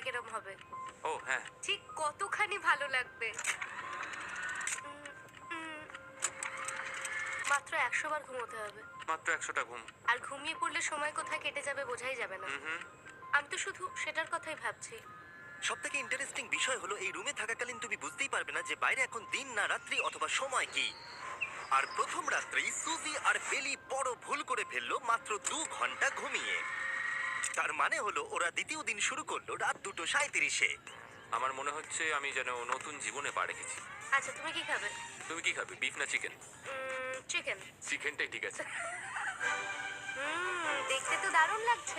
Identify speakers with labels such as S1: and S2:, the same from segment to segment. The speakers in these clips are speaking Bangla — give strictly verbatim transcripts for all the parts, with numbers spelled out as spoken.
S1: কিরম হবে?
S2: ও হ্যাঁ,
S1: ঠিক কতখানি ভালো লাগবে? উম, উম, মাত্র একশো বার ঘুমোতে হবে।
S2: মাত্র একশোটা ঘুম।
S1: আর ঘুমিয়ে পড়লে সময় কোথায় কেটে যাবে বোঝাই যাবে না।
S2: হুম হুম।
S1: আমি তো শুধু সেটার কথাই ভাবছি।
S3: সব থেকে ইন্টারেস্টিং বিষয় হলো এই রুমে থাকাকালীন তুমি বুঝতেই পারবে না যে বাইরে এখন দিন না রাত্রি অথবা সময় কি। আর প্রথম রাত্রেই সুজি আর বেলি বড় ভুল করে ফেললো মাত্র দু ঘন্টা ঘুমিয়ে। তার মানে হলো ওরা দ্বিতীয় দিন শুরু করলো রাত দুটো সাঁইত্রিশে।
S2: আমার মনে হচ্ছে আমি যেন নতুন জীবনে পা রেখেছি।
S1: আচ্ছা তুমি কি খাবে?
S2: তুমি কি খাবে, বিফ না চিকেন?
S1: চিকেন।
S2: চিকেনটাই ঠিক আছে।
S1: হুম দেখতে তো দারুণ লাগছে।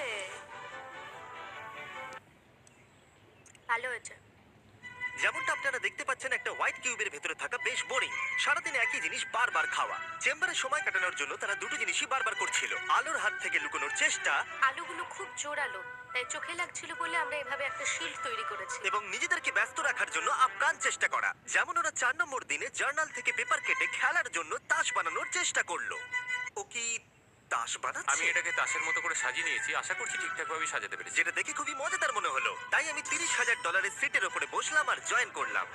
S1: ভালো হয়েছে।
S3: যেমনটা আপনারা দেখতে পাচ্ছেন একটা হোয়াইট কিউবের ভেতরে থাকা বেশ বোরিং। সারাদিন একই জিনিস বারবার খাওয়া। চেম্বারে সময় কাটানোর জন্য তারা দুটো জিনিসই বারবার করছিল, আলোর হাত থেকে লুকোনোর চেষ্টা
S1: আলুগুলো খুব জোরালো, তাই চোখে লাগছিল বলে আমরা এভাবে একটা শিল্ড তৈরি করেছি।
S3: এবং নিজেদেরকে ব্যস্ত রাখার জন্য আপ্রাণ চেষ্টা করা। যেমন ওরা চার নম্বর দিনে জার্নাল থেকে পেপার কেটে খেলার জন্য তাস বানানোর চেষ্টা করলো। ও কি তাস
S2: আমি
S3: বানাচ্ছে?
S2: এটাকে তাসের মতো করে সাজিয়ে নিয়েছি, আশা করছি ঠিকঠাক ভাবে সাজাতে পেরেছি।
S3: যেটা দেখে খুবই মজাদার মনে হলো, তাই আমি তিরিশ হাজার ডলারের সিটের ওপরে বসলাম আর জয়েন করলাম।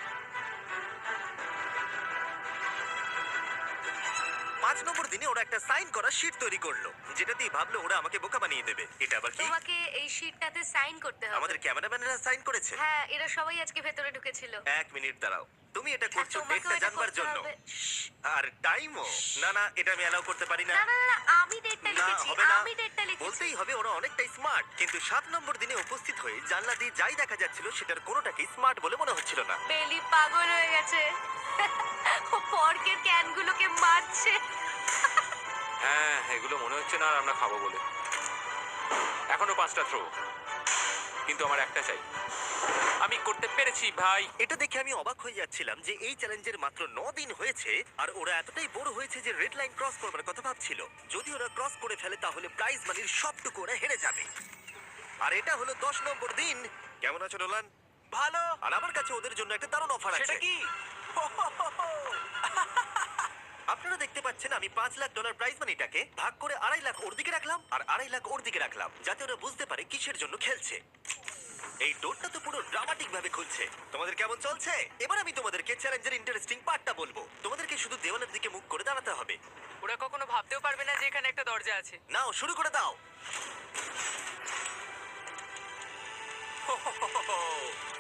S3: পাঁচ নম্বর দিনে ওরা একটা সাইন করা শিট তৈরি করলো, যেটা দিয়ে ভাবলো ওরা আমাকে বোকা বানিয়ে দেবে। এটা আবার কি?
S1: তোমাকে এই শিটটাতে সাইন করতে হবে।
S3: আমাদের ক্যামেরাম্যানেরা সাইন করেছে।
S1: হ্যাঁ এরা সবাই আজকে ভেতরে ঢুকেছিল।
S3: এক মিনিট দাঁড়াও, তুমি এটা
S1: আর
S3: করছো
S1: তোমাকেও
S3: ডেটটা
S1: এটা
S3: জানবার
S1: করতে
S3: জন্য?
S1: হবে। শ্শ্।
S3: আর টাইমও? না না, এটা আমি অ্যালাউ করতে পারি না।
S1: না না না না, আমি ডেটটা
S3: না,
S1: লিখেছি।
S3: হবে না।
S1: আমি ডেটটা লিখেছি।
S3: বলতেই হবে ওরা অনেকটাই স্মার্ট, কিন্তু সাত নম্বর দিনে উপস্থিত হয়ে জানলা দিয়ে যাই দেখা যাচ্ছিল সেটার কোনোটাকেই স্মার্ট বলে মনে হচ্ছিল না।
S1: বেলি পাগল হয়ে গেছে। ও পর্কের ক্যানগুলোকে মারছে।
S2: হ্যাঁ, এগুলো মনে হচ্ছে না আর আমরা খাবো বলে। এখনো পাঁচটা থ্রো, কিন্তু আমার একটা চাই। আমি করতে পেরেছি ভাই।
S3: এটা দেখে আমি অবাক হয়ে যাচ্ছিলাম যে এই চ্যালেঞ্জের মাত্র ন দিন হয়েছে আর ওরা এতটাই বোর হয়েছে যে রেড লাইন ক্রস করবার কথা ভাবছিল। যদি ওরা ক্রস করে ফেলে তাহলে প্রাইজ মানির সবটুকু ওরা হেরে যাবে। আর এটা হলো দশ নম্বর দিন। কেমন আছো নোলান?
S4: ভালো।
S3: আর আমার কাছে ওদের জন্য একটা দারুণ অফার আছে।
S4: সেটা কি?
S3: আপনারা দেখতে পাচ্ছেন আমি পাঁচ লাখ ডলার প্রাইজ মানিটাকে ভাগ করে আড়াই লাখ ওর দিকে রাখলাম আর আড়াই লাখ ওর দিকে রাখলাম, যাতে ওরা বুঝতে পারে কিসের জন্য খেলছে। এই ডোরটা তো পুরো ড্রামাটিক ভাবে খুলছে। তোমাদের কেমন চলছে? এবার আমি তোমাদেরকে চ্যালেঞ্জের ইন্টারেস্টিং পার্টটা বলবো। তোমাদেরকে শুধু দেওয়ালের দিকে মুখ করে দাঁড়াতে হবে।
S4: ওরা কখনো ভাবতেও পারবে না যে এখানে একটা দরজা আছে।
S3: নাও শুরু করে দাও।